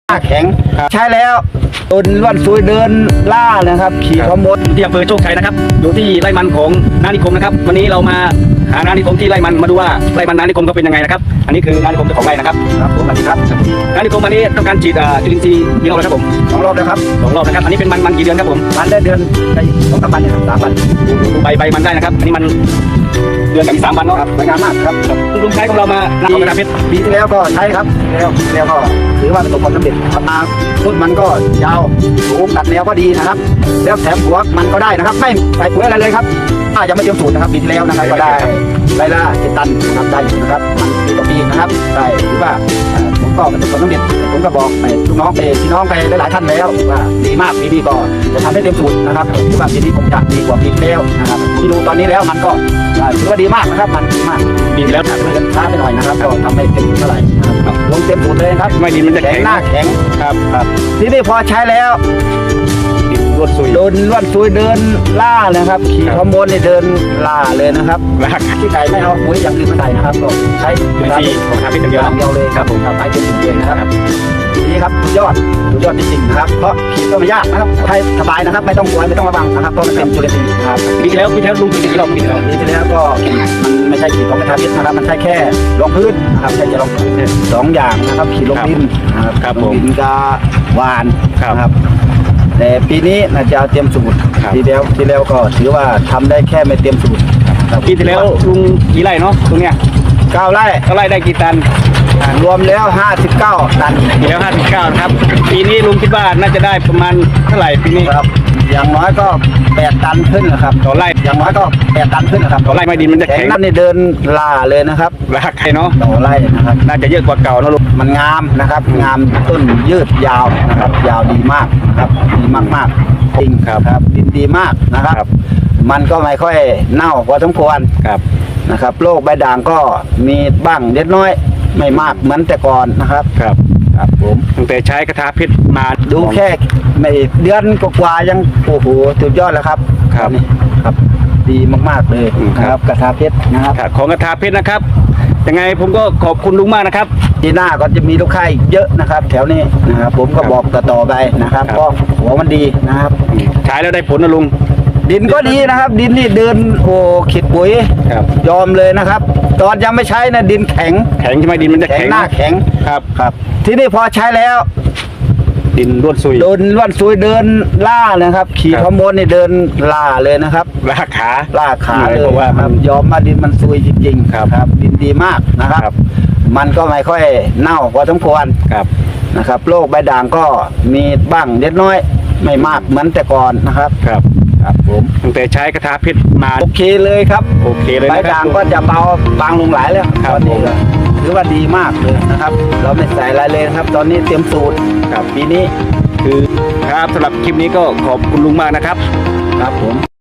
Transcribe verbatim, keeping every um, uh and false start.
แข็งใช้แล้วตุนล้วนซุยเดินล่านะครับขี่ขมดที่อำเภอโชคชัยนะครับอยู่ที่ไร่มันของนานิคมนะครับวันนี้เรามาหานานิคมที่ไร่มันมาดูว่าไร่มันนานิคมเขาเป็นยังไงนะครับอันนี้คือนานิคมเจ้าของไร่นะครับครับผมสวัสดีครับนานิคมวันนี้ต้องการฉีดจุลินทรีย์กี่รอบแล้วครับผมสองรอบแล้วครับสองรอบนะครับอันนี้เป็นมันมันกี่เดือนครับผมมันได้เดือนได้สองสามวันนะครับสามวันดูใบใบมันได้นะครับอันนี้มันเดือนกับอีกสามวันเนาะสวยงามมากครับลุงใช้ของเรามาหน้าของกระดาษเพชรปีที่แล้วก็ใช้ครับแล้วแล้วก็ถือว่าประสบความสำเร็จครับต้นมันก็ยาวสูงตัดแนวก็ดีนะครับแล้วแถมหัวมันก็ได้นะครับไม่ใส่ปุ๋ยอะไรเลยครับถ้ายังไม่เตรียมสูตรนะครับปีที่แล้วนะครับก็ได้ไร่ละเจ็ดตันนะครับได้อยู่นะครับมันปีต่อปีนะครับได้ถือว่าผมก็ประสบความสำเร็จผมก็บอกไปลูกน้องไปพี่น้องไปหลายๆท่านแล้วว่าดีมากปีนี้ก็จะทำให้เต็มสูตรนะครับถือว่าปีนี้ผมจะดีกว่าปีที่แล้วนะครับที่ดูตอนนี้แล้วมันก็ถือว่าดีมากนะครับมันดีมากปีที่แล้วถัดเงินช้าไปหน่อยนะครับก็ทำให้เต็มเท่าไหร่นะครับลงเต็มสูตรเลยครับไม่ดินมันจะแข็งหน้าแข็งครับครับทีนี้พอใช้แล้วรวดซุยโดนรวดซุยเดินล่านะครับขี่ขบวนนี่เดินล่าเลยนะครับลากที่ไก่ไม่เอาปุ๋ยอย่างอื่นมาใส่นะครับก็ใช้เป็นที่ของทาพิษอย่างเดียวเดียวเลยครับผมทำไปเป็นสูตรเลยนะครับนี่ครับสุดยอดสุดยอดจริงๆนะครับเพราะขีดก็ไม่ยากนะครับใช้สบายนะครับไม่ต้องกลัวไม่ต้องระวังนะครับเพราะมันเป็นจุลินทรีย์ครับปีที่แล้วปีที่แล้วลุงปีที่แล้วปีที่แล้วปีที่แล้วก็มันไม่ใช่ขีดของกระทาพิษนะครับมันใช่แค่รองพื้นนะครับแค่จะรองพื้นสองอย่างนะครับขีดลงดินนะครับลงดินกับหวานครับแต่ปีนี้น่าจะเตรียมสูตรปีแล้วปีแล้วก็ถือว่าทำได้แค่ไม่เตรียมสูตรปีที่แล้วลุงกี่ไร่เนาะตรงเนี้ยเก้าไร่เก้าไร่ได้กี่ตันรวมแล้วห้าสิบเก้าตันปีแล้วห้าสิบเก้าครับปีนี้ลุงคิดว่าน่าจะได้ประมาณเท่าไหร่ปีนี้ครับอย่างน้อยก็แปดตันขึ้นนะครับต่อไร่อย่างน้อยก็แปดตันขึ้นนะครับต่อไร่ไม่ดินมันจะแข็งนั่นนี่เดินล่าเลยนะครับลากเนาะต่อไร่นะครับน่าจะเยอะกว่าเก่านะลุงมันงามนะครับงามต้นยืดยาวนะครับยาวดีมากนะครับดีมากมากจริงครับดินดีมากนะครับมันก็ไม่ค่อยเน่าพอสมควรครับนะครับโรคใบด่างก็มีบ้างเล็กน้อยไม่มากเหมือนแต่ก่อนนะครับครับครับผมตั้งแต่ใช้กระทาพิษมาดูแค่ไม่เดือนกว่ายังโอ้โหสุดยอดแล้วครับครับนี่ครับดีมากๆเลยครับกระทาเพชรนะครับของกระทาเพชรนะครับยังไงผมก็ขอบคุณลุงมากนะครับทีหน้าก็จะมีลูกค้าอีกเยอะนะครับแถวนี้นะครับผมก็บอกต่อๆไปนะครับเพราะหัวมันดีนะครับใช้แล้วได้ผลนะลุงดินก็ดีนะครับดินนี่เดินโอ้ขีดปุ๋ยยอมเลยนะครับตอนยังไม่ใช้นะดินแข็งแข็งใช่ไหมดินมันจะแข็งหน้าแข็งครับครับทีนี้พอใช้แล้วดินล้วนซุยโดนล้วนซุยเดินล่านะครับขี่ขบวนนี่เดินล่าเลยนะครับลากขาลากขาเลยเพราะว่ามันยอมมาดินมันซุยจริงๆครับดินดีมากนะครับมันก็ไม่ค่อยเน่าพอสมควรครับนะครับโรคใบด่างก็มีบ้างเล็กน้อยไม่มากเหมือนแต่ก่อนนะครับครับครับผมตั้งแต่ใช้กระทาพิษมาโอเคเลยครับโอเคเลยใบด่างก็จะเบาบางลงหลายแล้วตอนนี้ก็ถือว่าดีมากเลยนะครับเราไม่ใส่อะไรเลยครับตอนนี้เตรียมสูตรครับปีนี้คือครับสำหรับคลิปนี้ก็ขอบคุณลุงมากนะครับครับผม